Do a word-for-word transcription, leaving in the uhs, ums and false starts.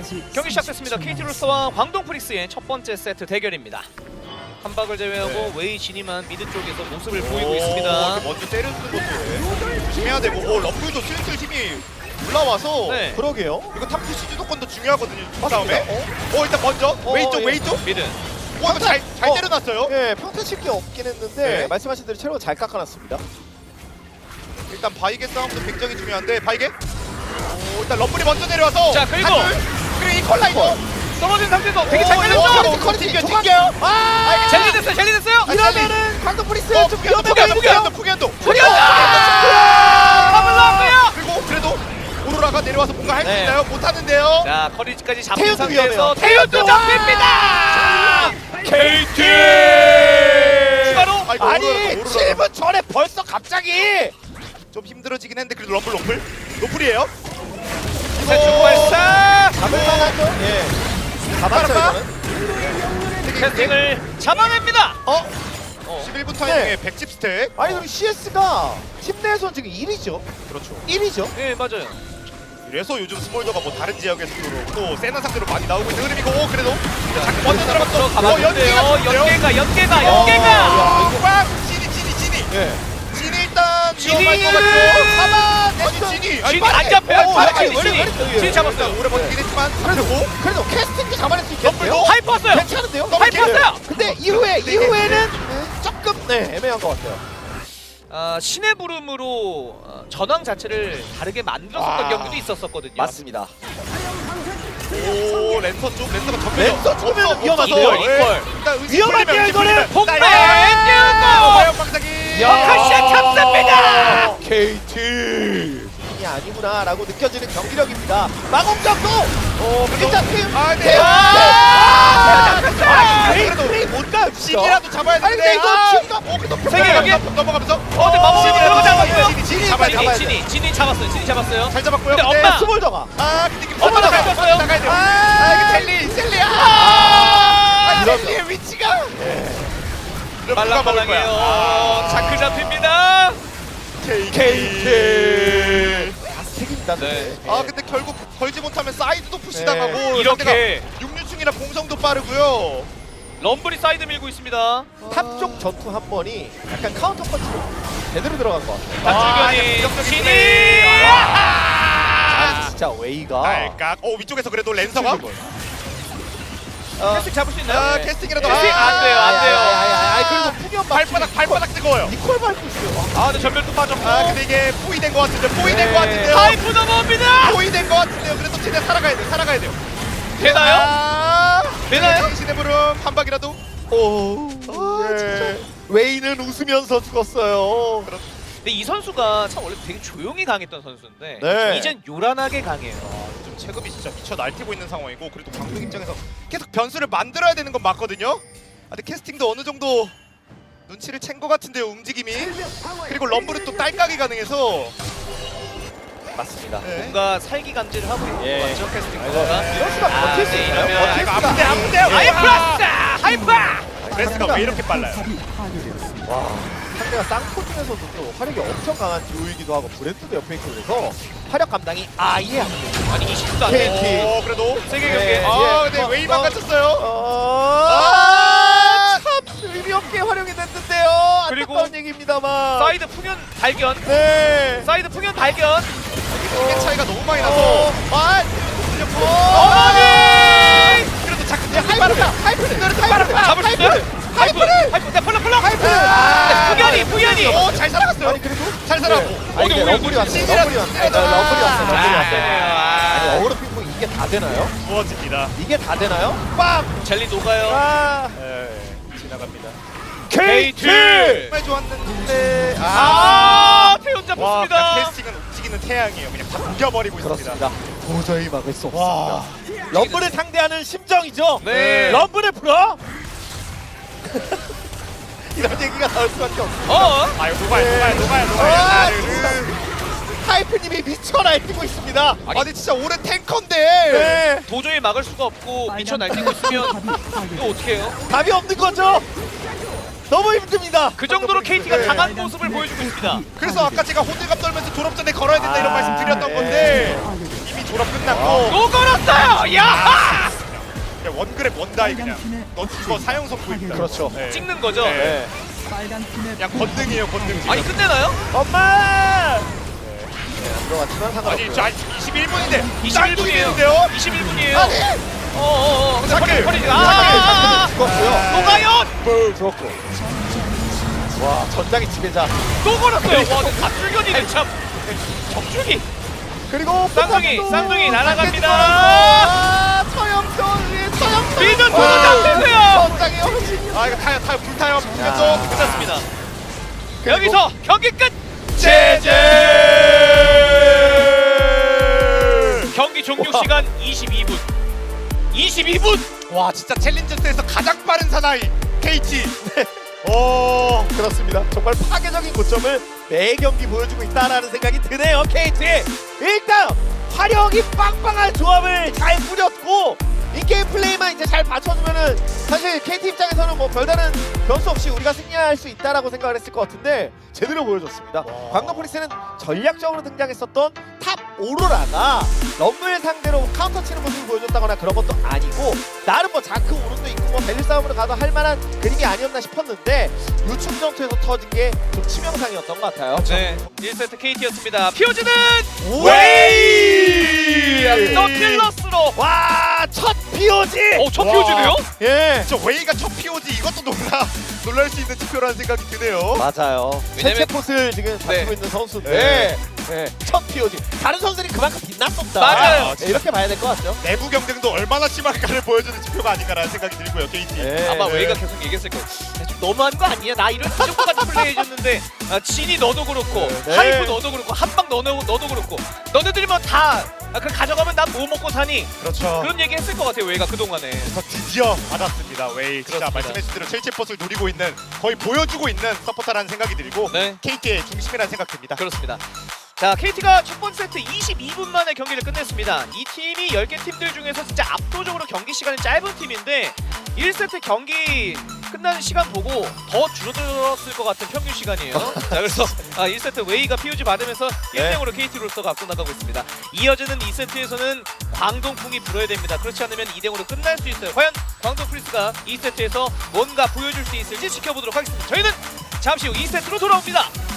경기 시작됐습니다. 케이티로서와 광동 프릭스의 첫 번째 세트 대결입니다. 한박을 제외하고 네. 웨이 진이만 미드 쪽에서 모습을 보이고 있습니다. 먼저 때려주는 것도 조심해야 되고, 오, 럼블도 슬슬 힘이 올라와서 네. 그러게요. 이거 탑푸시 주도권도 중요하거든요. 그 다음에 어? 어 일단 먼저 어, 웨이 쪽 예. 웨이 쪽. 미드. 오 이거 잘 잘 어. 때려놨어요. 예, 평타 칠게 없긴 했는데 네. 말씀하신 대로 체력을 잘 깎아놨습니다. 일단 바이게 싸움도 굉장히 중요한데 바이게. 오 일단 럼블이 먼저 내려와서. 자, 그리고! 한줄. 그리고 이 컬라이더. 떨어진 상태에서 되게 잘 오, 걸렸죠? 커리 튕겨 튕겨요. 아, 젤리 됐어요, 젤리 됐어요! 아, 이러면은 광동 프리스 어, 좀 푸기한도 위험해 푸기한도 보이는데요. 푸기한도 푸기한도. 푸기한도! 더블 나왔고요! 그리고 그래도 오로라가 내려와서 뭔가 할 수 네. 있나요? 못하는데요. 자, 커리지까지 잡힌 태연도 상태에서 위험해요. 태연도 잡힙니다! 케이티! 추가로! 아이고, 아니 오로라가, 오로라가. 칠 분 전에 벌써 갑자기 좀 힘들어지긴 했는데 그래도 럼블 럼블 노플이에요. 자, 중발사! 잡을 만하죠? 예. 잡았죠 빠르다. 이거는? 캐스팅을 잡아냅니다! 어? 어. 십일 분 타이밍에 백십 스택. 아니 그럼 씨에스가 팀 내에서 지금 일 위죠? 그렇죠. 일 위죠? 네, 맞아요. 그래서 요즘 스몰더가 뭐 다른 지역에서도 또 세나 상대로 많이 나오고 있는 흐름이고 오, 그래도 자, 먼저 들어갔어. 가봤는데요. 연계가, 연계가, 어, 연계가! 야, 이거- 꽝! 진이 진이 진이. 예. 진이 일단 진이! 위험할 것 같죠. 잡아. 아니 진이. 아니, 진이 빠르게. 안 잡혀요. 오, 바로 아니, 진이, 원래 진이. 그랬어요. 진이 잡았어요. 일단 오래 버티긴 했지만 그래도 잡혔고. 그래도 캐스팅도 잡아낼 수 있겠는데요? 럼블도? 하이프 왔어요! 괜찮은데요? 하이프 왔어요! 근데 이후에 네, 이후에는 조금 네 애매한 것 같아요. 아, 신의 부름으로 어, 전황 자체를 다르게 만들었었던 아. 경기도 있었었거든요. 맞습니다. 오 랜선 쪽 랜선가 전면. 랜선 쪽이면 위험한데요? 이걸, 이걸. 위험한데요, 이거는? 폭발! 화염 방사기. 카시아 잡습니다! 케이티 이 아니구나라고 느껴지는 경기력입니다. 마공격도 어 그래도 일단 팀 아 네. 태연! 아, 아, 그래도 그래도 플레이 뭔가요? 진이라도 잡아야 아니 되는데. 근데 이거 아. 진가 어 근데 세계 경기? 넘어가면서. 어, 근데 마법이 진이라도 들어가지 진이 진이 잡아야 돼. 잡아야 진이, 돼. 진이, 진이 잡았어요. 진이 잡았어요. 잘 잡았고요. 근데 근데 엄마! 스몰더가 아 근데 이게 엄마 나가야 나갔어요. 돼요. 나가야 돼요. 아, 아 이거 젤리 젤리야. 아! 아 이러면- 젤리의 위치가. 말랑말랑해요. 어, 자크 잡힙니다. 케이티. 스택입니다. 네. 아 근데 결국 걸지 못하면 사이드도 푸시 네. 당하고 이렇게 육류충이라 공성도 빠르고요. 럼블이 사이드 밀고 있습니다. 탑쪽 전투 한 번이 약간 카운터 펀치로 제대로 들어간 것 같아요. 맞줄견이 역적인 진이! 플레이. 아, 진짜 웨이가 알깍. 어 위쪽에서 그래도 랜서가. 어, 캐스팅 잡을 수 있나요? 아 캐스팅이라도. 캐스팅 안 돼요, 안 돼요. 아, 그래도 풍연 발바닥 발바닥 뜨거워요. 니콜 밟고 있어요. 아, 근데 전멸도 빠졌고. 아 근데 이게 포위된 것 같은데 포위된 네. 것 같은데요. 하이프 넘어옵니다. 포위된 것 같은데요. 그래도 최대한 살아가야 돼. 살아가야 돼요. 되나요? 아, 되나요? 신의 부름 한 방이라도. 오, 아, 네. 웨이는 웃으면서 죽었어요. 근데 이 선수가 참 원래 되게 조용히 강했던 선수인데 네. 이젠 요란하게 강해요. 좀 체급이 진짜 미쳐 날뛰고 있는 상황이고 그래도 광동 입장에서 계속 변수를 만들어야 되는 건 맞거든요. 아, 근데 캐스팅도 어느 정도 눈치를 챈 것 같은데요 움직임이. 그리고 럼블은 또 딸깍이 가능해서. 맞습니다. 네. 뭔가 살기 감지를 하고 있는 예. 것 같죠, 캐스팅 네. 선수가. 이럴 수가 아, 버틸 수 네, 있나요? 이러면 버틸 이거 수가 아픈데 아픈데. 하이플러스! 하이프! 레스가 왜 이렇게 빨라요? 와, 상대가 쌍코 중에서도 또 화력이 엄청 강한 듀오이기도 하고 브랜드도 옆에 있고 그래서 화력 감당이 아예 안 돼요. 아니 이십도 안 돼. 케이티. 어 그래도. 세계 네. 경기. 아 예. 근데 어, 웨이만 어. 갇혔어요. 아, 참 의미 없게 활용이 됐는데요. 그리고 안타까운 얘기입니다만. 사이드 풍연 발견. 네. 사이드 풍연 발견. 이게 차이가 너무 많이 나서. 어, 아, 어머니! 그래도 자꾸 야, 하이프다. 하이프는 그래도 하이프. 잡을 수 있어요? 하이프! 하이프를! 하이프! 네, 펄럭 펄럭! 하이프. 아, 풍연이 풍연이! 오잘 살아갔어요. 아니 그리고 잘 살아고. 아니 근데 오늘 러블이 왔어요. 진이라- 러블이 왔어요. 네, 러블이 왔어요. 러블이 아, 왔어요. 아니 아, 어그로 핑퐁 이게 다 되나요? 부어집니다. 이게 다 되나요? 빵! 젤리 녹아요. 아, 네, 지나갑니다. 케이티! 정말 좋았는데 아, 태연 와, 잡혔습니다. 그냥 캐스팅은 움직이는 태양이에요. 그냥 다 뭉겨버리고 있습니다. 그렇습니다. 도저히 막을 수 와. 없습니다. 럼블을 상대하는 심정이죠. 네. 럼블을 풀어. 이런 얘기가 나올 수밖에 없어. 어? 아유 녹아요, 녹아요, 녹아요, 녹아요. 아, 나르르. 하이프님이 미쳐 날뛰고 있습니다. 아니, 아니 진짜 올해 탱커인데. 네. 도저히 막을 수가 없고 미쳐 날뛰고 있으면 이거 어떻게 해요? 답이 없는 거죠. 너무 힘듭니다. 그 정도로 케이티가 네. 강한 모습을 보여주고 있습니다. 그래서 아까 제가 호들갑 떨면서 졸업 전에 걸어야 된다 이런 아, 말씀 드렸던 네. 건데 이미 졸업 끝났고 또 걸었어요. 야! 그냥 원그랩 원다이 그냥. 너 이거 사용 선고입니다. 그렇죠. 네. 찍는 거죠. 네. 네. 그냥 건등이에요 건등. 지금. 아니 끝내나요? 엄마! 네, 안 들어갔지만 상관없고요. 아니 저 이십일 분인데 이십일 분이에요. 인데요? 이십일 분이에요. 아니! 어어어. 근데 잠깐! 허리 허리 아, 아, 아, 아, 죽었고요. 아. 노가연 뿔 죽었고. 와, 전장의 지배자. 또 걸었어요. 와, 근데 갑줄견이네 참. 적줄기. 그리고 쌍둥이, 포탑도 쌍둥이 날아갑니다. 아, 서영선 위에 서영선. 미드 도로 와, 잡히고요. 전장의 어르신. 아 이거 타요 타요 불타요 야. 불타요. 끝났습니다. 여기서 경기 끝. 제제. 경기 종료 시간 이십이 분. 이십이 분. 와 진짜 챌린저스에서 가장 빠른 사나이 케이티. 오 그렇습니다. 정말 파괴적인 고점을 매 경기 보여주고 있다라는 생각이 드네요. 케이티. 일단 화력이 빵빵한 조합을 잘 꾸렸고 인게임 플레이만 이제 잘 받쳐주면은 사실 케이티 입장에서는 뭐 별다른 변수 없이 우리가 승리할 수 있다라고 생각을 했을 것 같은데 제대로 보여줬습니다. 와. 광동 프리스는 전략적으로 등장했었던 탑 오로라가 럼블 상대로 카운터 치는 모습을 보여줬다거나 그런 것도 아니고 나름 뭐 자크 오른도 있고 뭐 벨리 싸움으로 가도 할 만한 그림이 아니었나 싶었는데 요충 전투에서 터진 게 좀 치명상이었던 것 같아요. 네. 일 세트 케이티였습니다. 피오즈는 웨이. 더 킬러스로. 와, 첫 피오지. 어, 첫 와. 피오즈네요? 예. 저 웨이가 첫 피오지 이것도 놀라 놀랄 수 있는 투표라는 생각이 드네요. 맞아요. 왜냐면- 최체 포스를 지금 네. 가지고 있는 선수인데 네. 네. 첫 피오지. 다른 선수들이 그만큼 빛났었다. 맞아요. 네, 이렇게 봐야 될 것 같죠. 내부 경쟁도 얼마나 심할까를 보여주는 지표가 아닌가라는 생각이 들고요, 케이티. 네. 아마 네. 웨이가 계속 얘기했을 거예요. 야, 좀 너무한 거 아니야? 나 이런 이 정도까지 플레이해줬는데 아, 진이 너도 그렇고 네. 하이프 너도 그렇고 한방 너도, 너도 그렇고 너네들이면 다 아, 그 가져가면 난 뭐 먹고 사니? 그렇죠. 그런 얘기 했을 것 같아요 웨이가 그동안에. 그래서 드디어 받았습니다. 웨이 진짜 그렇습니다. 말씀해주신 대로 첼체 버스를 노리고 있는 거의 보여주고 있는 서포터라는 생각이 들고 네. 케이티의 중심이라는 생각 듭니다. 그렇습니다. 자, 케이티가 첫 번째 세트 이십이 분 만에 경기를 끝냈습니다. 이 팀이 열 개 팀들 중에서 진짜 압도적으로 경기 시간이 짧은 팀인데 일 세트 경기 끝나는 시간 보고 더 줄어들었을 것 같은 평균 시간이에요. 자, 그래서 아, 일 세트 웨이가 피오지 받으면서 일 대 영으로 케이티로서가 앞서 나가고 있습니다. 이어지는 이 세트에서는 광동풍이 불어야 됩니다. 그렇지 않으면 이 대 영으로 끝날 수 있어요. 과연 광동 프리스가 이 세트에서 뭔가 보여줄 수 있을지 지켜보도록 하겠습니다. 저희는 잠시 후 이 세트로 돌아옵니다.